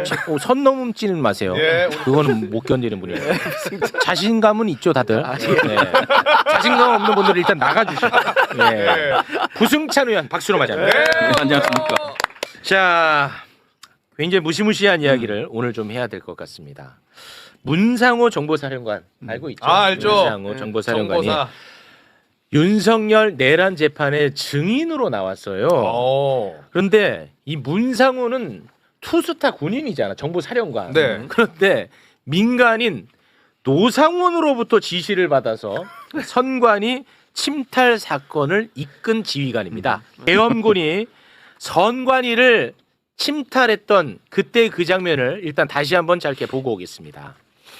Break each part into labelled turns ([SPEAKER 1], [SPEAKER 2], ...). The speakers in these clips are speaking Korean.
[SPEAKER 1] 선 넘지는 마세요.
[SPEAKER 2] 예.
[SPEAKER 1] 그거는 못 견디는 분이에요. 자신감은 있죠, 다들. 네. 자신감 없는 분들은 일단 나가주시고. 네. 구승찬 의원 박수로 맞이합니다.
[SPEAKER 3] 안녕하십니까.
[SPEAKER 1] 자, 굉장히 무시무시한 이야기를 오늘 좀 해야 될 것 같습니다. 문상호 정보사령관 알고 있죠?
[SPEAKER 2] 알죠.
[SPEAKER 1] 문상호 정보사령관이
[SPEAKER 2] 정보사.
[SPEAKER 1] 윤석열 내란 재판의 증인으로 나왔어요. 그런데 이 문상호는 투스타 군인이잖아, 정보사령관.
[SPEAKER 2] 네.
[SPEAKER 1] 그런데 민간인 노상원으로부터 지시를 받아서 선관위 침탈 사건을 이끈 지휘관입니다. 계엄군이 선관위를 침탈했던 그때 그 장면을 일단 다시 한번 짧게 보고 오겠습니다.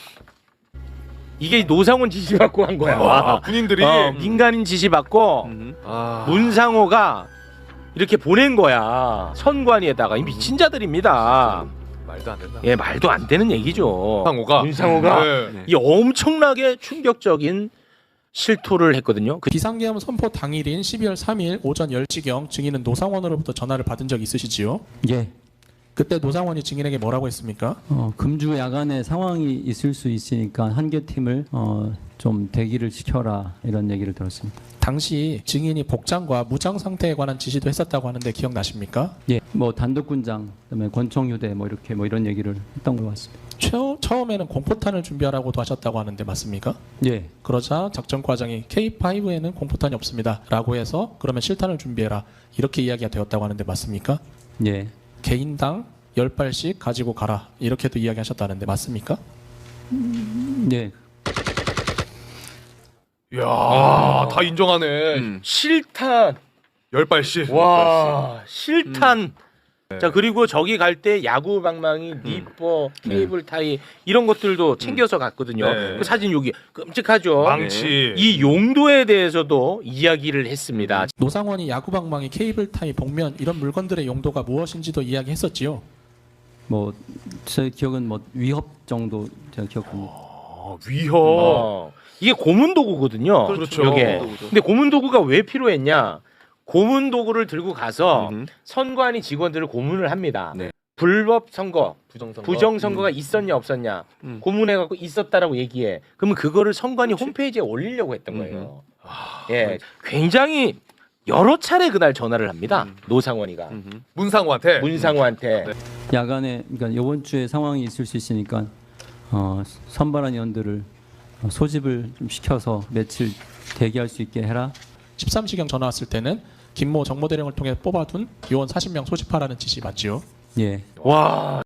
[SPEAKER 1] 이게 노상원 지시 받고 한 거야.
[SPEAKER 2] 와, 군인들이
[SPEAKER 1] 민간인 지시 받고 문상호가 이렇게 보낸 거야. 선관위에다가. 이 미친 자들입니다.
[SPEAKER 2] 말도 안 된다.
[SPEAKER 1] 예, 말도 안 되는 얘기죠.
[SPEAKER 2] 문상호가
[SPEAKER 3] 네.
[SPEAKER 1] 이 엄청나게 충격적인 실토를 했거든요.
[SPEAKER 4] 비상계엄 선포 당일인 12월 3일 오전 10시경 증인은 노상원으로부터 전화를 받은 적 있으시지요?
[SPEAKER 5] 예.
[SPEAKER 4] 그때 노상원이 증인에게 뭐라고 했습니까?
[SPEAKER 5] 금주 야간에 상황이 있을 수 있으니까 한 개 팀을 좀 대기를 시켜라 이런 얘기를 들었습니다.
[SPEAKER 4] 당시 증인이 복장과 무장 상태에 관한 지시도 했었다고 하는데 기억나십니까?
[SPEAKER 5] 예. 뭐 단독군장, 그다음에 권총휴대 뭐 이렇게 뭐 이런 얘기를 했던 것 같습니다.
[SPEAKER 4] 처음에는 공포탄을 준비하라고도 하셨다고 하는데 맞습니까?
[SPEAKER 5] 예.
[SPEAKER 4] 그러자 작전과장이 K5에는 공포탄이 없습니다 라고 해서 그러면 실탄을 준비해라 이렇게 이야기가 되었다고 하는데 맞습니까?
[SPEAKER 5] 예.
[SPEAKER 4] 개인당 10발씩 가지고 가라 이렇게도 이야기하셨다는데 맞습니까?
[SPEAKER 5] 예.
[SPEAKER 2] 이야, 다 인정하네.
[SPEAKER 1] 실탄.
[SPEAKER 2] 10발씩.
[SPEAKER 1] 와, 실탄. 자, 그리고 저기 갈 때 야구 방망이, 니퍼, 케이블 타이 이런 것들도 챙겨서 갔거든요.
[SPEAKER 2] 네.
[SPEAKER 1] 그 사진 여기 끔찍하죠.
[SPEAKER 2] 망치.
[SPEAKER 1] 이 용도에 대해서도 이야기를 했습니다.
[SPEAKER 4] 노상원이 야구방망이, 케이블타이, 복면 이런 물건들의 용도가 무엇인지도 이야기했었지요.
[SPEAKER 5] 뭐 제 기억은 뭐 위협 정도 제가 기억합니다.
[SPEAKER 2] 위협.
[SPEAKER 1] 이게 고문 도구거든요.
[SPEAKER 2] 그렇죠.
[SPEAKER 1] 이게. 근데 고문 도구가 왜 필요했냐? 고문 도구를 들고 가서 선관위 직원들을 고문을 합니다.
[SPEAKER 3] 네.
[SPEAKER 1] 불법 선거,
[SPEAKER 2] 부정선거.
[SPEAKER 1] 부정선거가 있었냐 없었냐 고문해갖고 있었다라고 얘기해. 그러면 그거를 선관위 홈페이지에 올리려고 했던 거예요. 예, 굉장히 여러 차례 그날 전화를 합니다. 노상원이가
[SPEAKER 2] 문상호한테.
[SPEAKER 1] 문상호한테.
[SPEAKER 5] 야간에 그러니까 이번 주에 상황이 있을 수 있으니까 선발한 의원들을 소집을 좀 시켜서 며칠 대기할 수 있게 해라.
[SPEAKER 4] 13시경 전화 왔을 때는 김모 정보대령을 통해 뽑아둔 요원 40명 소집하라는 지시 맞지요?
[SPEAKER 5] 예.
[SPEAKER 1] 와.